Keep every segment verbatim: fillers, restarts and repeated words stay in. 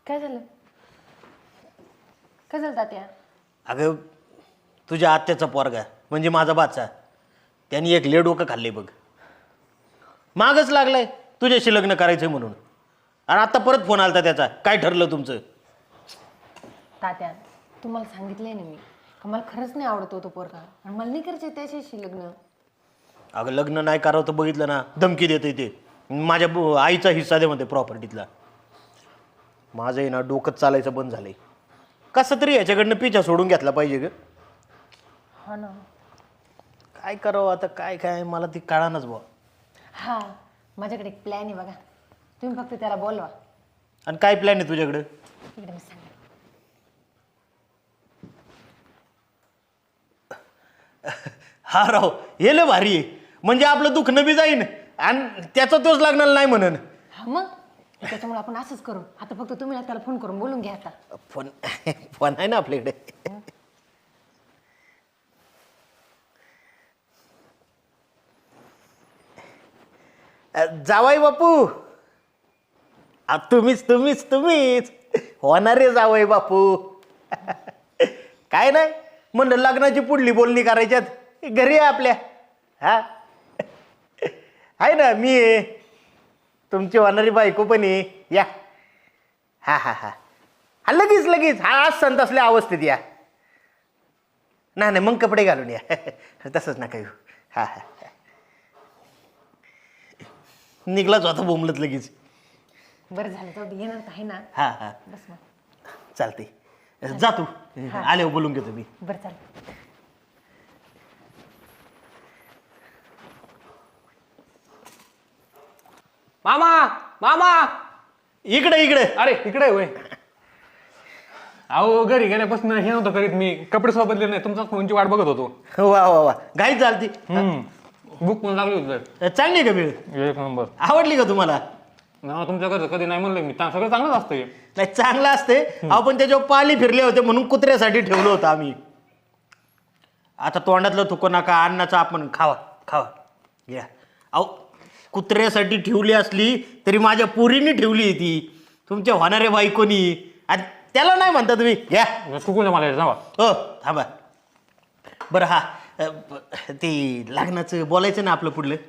काय झालं? काय झालं तात्या? अगं तुझ्या आत्याचा पोरगा म्हणजे माझा बाचा त्यांनी एक लेड डोकं खाल्ले बघ. मागच लागलाय तुझ्याशी लग्न करायचंय म्हणून. आणि आता परत फोन आलता त्याचा. काय ठरलं तुमचं? तात्या तुम्हाला सांगितलंय ना मी का मला खरंच नाही आवडतो तो पोरगा आणि मला नाही करायचं त्याच्याशी लग्न. अगं लग्न नाही करावं तर बघितलं ना धमकी देते ते. माझ्या ब- आईचा हिस्सा दे म्हणते प्रॉपर्टीतला. माझं आहे ना डोकंच चालायचं बंद झालंय. कसं तरी याच्याकडनं पिछा सोडून घेतला पाहिजे ग. हा ना. काय करावं आता काय काय मला ती कळानच बुवा. हा माझ्याकडे एक प्लॅन आहे बघा. तुम्ही फक्त त्याला बोलवा. आणि काय प्लॅन आहे तुझ्याकडं? इकडे मी सांगा. हा राव हे लय भारी आहे. म्हणजे आपलं दुखणं बी जाईन आणि त्याचा तोच लागणार नाही म्हणून. हा मग त्याच्यामुळे आपण असंच करू. आता फक्त तुम्ही ना त्याला फोन करून बोलून घ्या आता. फोन फोन आहे ना आपल्याकडे. जावाई बापू. आ, तुम्हीच तुम्हीच तुम्हीच होणारे जावई बापू. काय नाही म्हणलं लग्नाची पुढली बोलणी करायच्यात घरी आहे आपल्या. हा आहे ना मी आहे. तुमची होणारी बायको पण आहे. या हा हा हा हा लगेच लगेच हा आज संत असल्या अवस्थेत या. नाही नाही मग कपडे घालून या. तसंच नका येऊ. हा हा निघलाच होता बोंबलत लगेच. बरं झालं जाऊ दे. येणार तर आहे ना. हा हा बस मग. चालते जा तू. आल्यावर बोलून घेतो मी. बरं चालेल. मामा मामा इकडे इकडे. अरे इकडे होय. अहो घरी गेल्यापासून हे नव्हतं करीत मी. कपडे सुद्धा बदलले नाही. तुमचा फोनची वाट बघत होतो. वा वा वा घाई चालती. हम्म बुक पण लागली होती. चांगली आहे का वेळ? एक नंबर. आवडली का तुम्हाला? ना तुमच्या घरचं कधी नाही म्हणलं मी. चा- सगळं चांगलंच असतं हे. नाही चांगलं असते. आपण त्याच्यावर पाली फिरले होते म्हणून कुत्र्यासाठी ठेवलं होतं आम्ही. आता तोंडातलं थुको नका. अन्नाचं आपण खावा खावा घ्या. अहो कुत्र्यासाठी ठेवली असली तरी माझ्या पोरीने ठेवली आहे ती. तुमच्या होणाऱ्या बायकोनी. आणि त्याला नाही म्हणता तुम्ही घ्या. चुकून मला हे जावा. हो थांबा. बरं हा अ, ब- ते लग्नाचं बोलायचं ना आपलं पुढलं.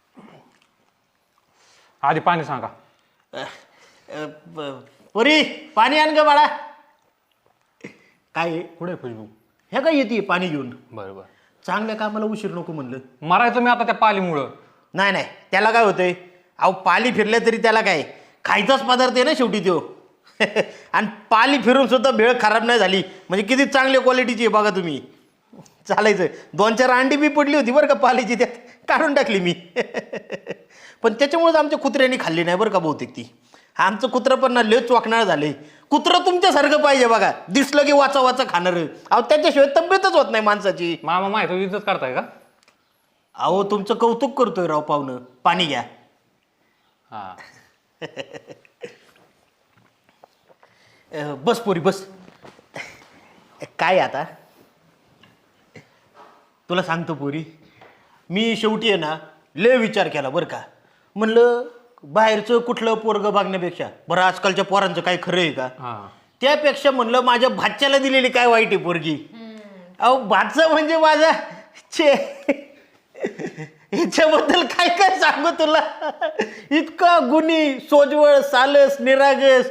आधी पाणी सांगा. अ, अ, ब- पोरी पाणी आण ग बाळा. काय आहे? पुढे खुशबू. हे काय येते पाणी घेऊन. बरं बरं. चांगल्या कामाला उशीर नको म्हणलं. मरायचं मी आता त्या पालीमुळं. नाही नाही त्याला काय होतंय. अहो पाली फिरल्या तरी त्याला काय खायचाच पदार्थ आहे ना शेवटी तो. आणि पाली फिरून सुद्धा भेळ खराब नाही झाली म्हणजे किती चांगल्या क्वालिटीची आहे बघा तुम्ही. चालायचं. दोन चार अंडी बी पडली होती बरं का पालीची त्यात काढून टाकली मी. पण त्याच्यामुळेच आमच्या कुत्र्यांनी खाल्ली नाही बरं का बहुतेक ती. आमचं कुत्रं पण ना लय चोकणार झाले. कुत्रं तुमच्यासारखं पाहिजे बघा. दिसलं की वाचा वाचा खाणारं. अहो त्याच्याशिवाय तब्येतच होत नाही माणसाची. मामा माहिती इज्जत करताय का? अहो तुमचं कौतुक करतोय राव पाहुणं. पाणी घ्या. हा अ, बस पोरी बस. काय आता तुला सांगतो पोरी. मी शेवटी आहे ना लय विचार केला बरं का. म्हणलं बाहेरचं कुठलं पोरगं बघण्यापेक्षा बरं आजकालच्या पोरांचं काय खरं आहे का. हा त्यापेक्षा म्हणलं माझ्या भाच्याला दिलेली काय वाईट आहे पोरगी. अहो भाचा म्हणजे माझा छे ह्याच्याबद्दल काय काय सांगू तुला. इतका गुणी सोजवळ सालस निरागस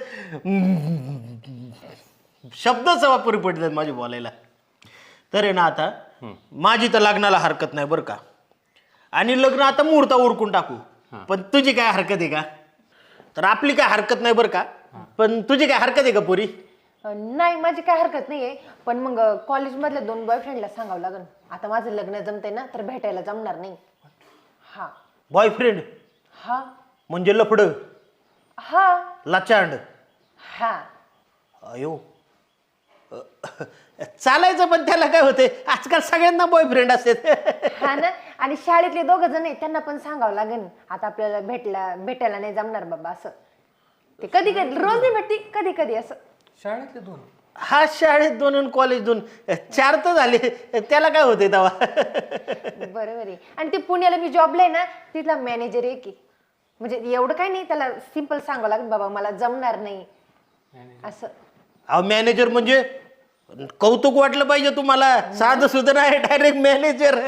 शब्दच वापरू पडतात माझे बोलायला. तर आहे ना आता माझी तर लग्नाला हरकत नाही बरं का. आणि लग्न आता मुहूर्ता उरकून टाकू. पण तुझी काय हरकत आहे का? तर आपली काय हरकत नाही बरं का. पण तुझी काय हरकत आहे का पोरी? नाही माझी काय हरकत नाहीये. पण मग कॉलेजमधल्या दोन बॉयफ्रेंडला सांगावं लागेल. आता माझं लग्न जमतंय ना तर भेटायला जमणार नाही. हा बॉयफ्रेंड हा म्हणजे लफडं हा लाचांड. हा अयो अ, चालायचं पण त्याला काय होते आजकाल सगळ्यांना बॉयफ्रेंड असते. हा ना. आणि शाळेतले दोघं जण आहेत त्यांना पण सांगावं लागेल. आता आपल्याला भेटला भेटायला नाही जमणार बाबा असं. ते कधी कधी रोज नाही भेटती कधी कधी असं. शाळेतले दोन. हा शाळेत दोन आणि कॉलेज दोन चार तर झाले. त्याला काय होते तेव्हा. बरोबर आहे. आणि ते पुण्याला मी जॉबला आहे ना तिथला मॅनेजर आहे की म्हणजे एवढं काही नाही. त्याला सिंपल सांगावं लागेल बाबा मला जमणार नाही. असं. अहो मॅनेजर म्हणजे कौतुक वाटलं पाहिजे तुम्हाला, साधं सुद्धा नाही, डायरेक्ट मॅनेजर.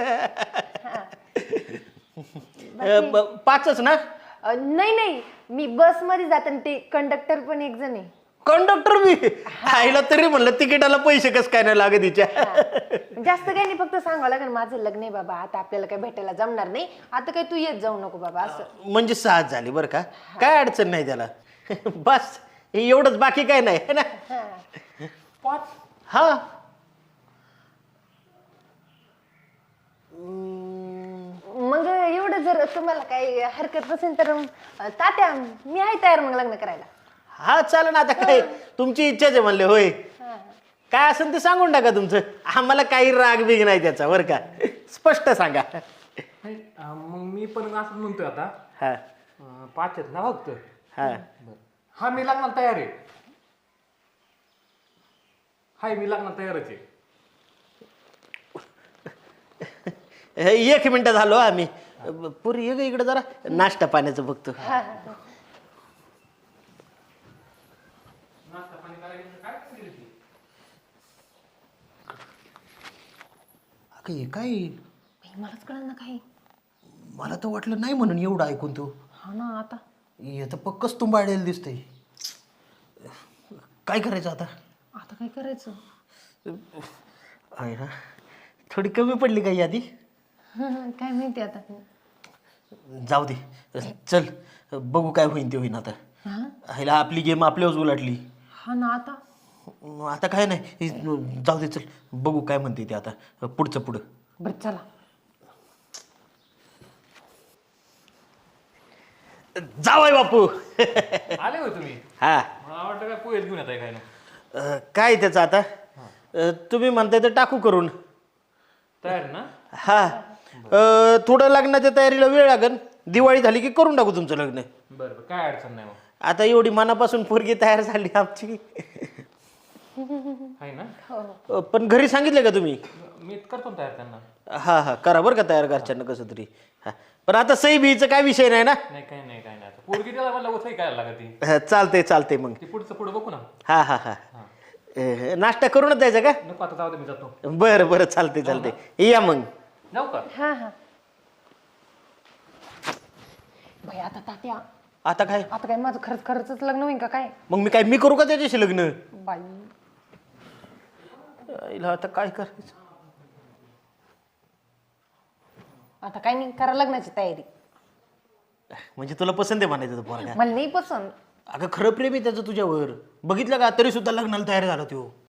पाचच ना? अ, नाही नाही, मी बस मध्ये जाते आणि ते कंडक्टर पण एक जण आहे. कंडक्टर मी आईला तरी म्हणलं तिकिटाला पैसे कस काय नाही लागत तिच्या. जास्त काही नाही, फक्त सांगावं लागेल माझं लग्न आहे बाबा, आता आपल्याला काही भेटायला जमणार नाही, आता काही तू येत जाऊ नको बाबा असं. म्हणजे साथ झाली बरं का, काय अडचण नाही त्याला. बस हे एवढंच, बाकी काय नाही है ना. पाच हा मग एवढं जर तुम्हाला काही हरकत नसेल तर अं, तात्या मी आहे तयार मग लग्न करायला. हा चालेल ना, आता काय तुमची इच्छाच आहे म्हणले. होय काय असेल ते सांगून टाका तुमचं, आम्हाला काही राग बिग नाही त्याचा बरं का, स्पष्ट सांगा. नाही, अं, मग मी पण असं म्हणतोय आता हा अं, पाच आहेत ना फक्त. हा बरं. हा मी लग्नाला तयार आहे. हाय मी लग्नाला तयारच आहे. हे एक मिनिट झालो आम्ही. पुरी ये ग इकडे जरा, नाश्ता पाण्याचं बघतो. नाश्ता पाणी करायचं काय केली ती? अगं हे काय, बाई, मलाच कळलं ना काही. मला तर वाटलं नाही म्हणून एवढं ऐकून तू. हा ना, आता हे तर पक्कच तुंबाळलेलं दिसतंय. काय करायचं आता? आता काय करायचं. आहे ना, थोडी कमी पडली काही आधी. काय माहिती आता. जाऊ दे, चल बघू काय होईन ते होईन. आता हा ह्याला आपली गेम आपल्यावर उलाटली. हा ना, आता आता काय नाही, हे जाऊ दे, चल बघू काय म्हणते ते आता पुढचं पुढं. बरं चला. जावाय बापू. आले होय तुम्ही? हा मला वाटतं काय पोहेच घेऊन येत आहे काय ना. अं, काय त्याचं आता, अं, तुम्ही म्हणताय तर टाकू करून. तयार आहे ना? हा अं, थोडं लग्नाच्या तयारीला वेळ लागेल, दिवाळी झाली की करून टाकू तुमचं लग्न. बरं बरं, काय अडचण नाही मग. आता एवढी मनापासून पोरगी तयार झाली आमची. आहे ना? अं, पण घरी सांगितलं का तुम्ही? मी करतो ना तयार त्यांना. हा हा करा बरं का तयार घरच्यांना कसं तरी. हा पण आता सही बीचा काय विषय नाही ना. नाही काही नाही काही नाही. आता पोरगी त्याला मला उठाई काय लागत ती. हा, चालतंय चालतंय मग. ती पुढचं पुढं बघू ना. हा हा हा अं, नाश्ता करूनच द्यायचा का? नको आता जाऊ दे, मी जातो. बरं बरं चालतंय चालतंय, या मग. जाऊ का? हा हा. बाई आता तात्या, आता काय आता काय माझं खरंच खरंच लग्न होईल का काय. मग मी काय मी करू का त्याच्याशी लग्न? बाई आईला आता काय करायचं. आता काय नाही, करा लग्नाची तयारी. म्हणजे तुला पसंत आहे म्हणायचं तो पोरगा? मला नाही पसंत. अगं खरं प्रेम आहे त्याचं तुझ्यावर, बघितलं का, तरी सुद्धा लग्नाला तयार झाला तो.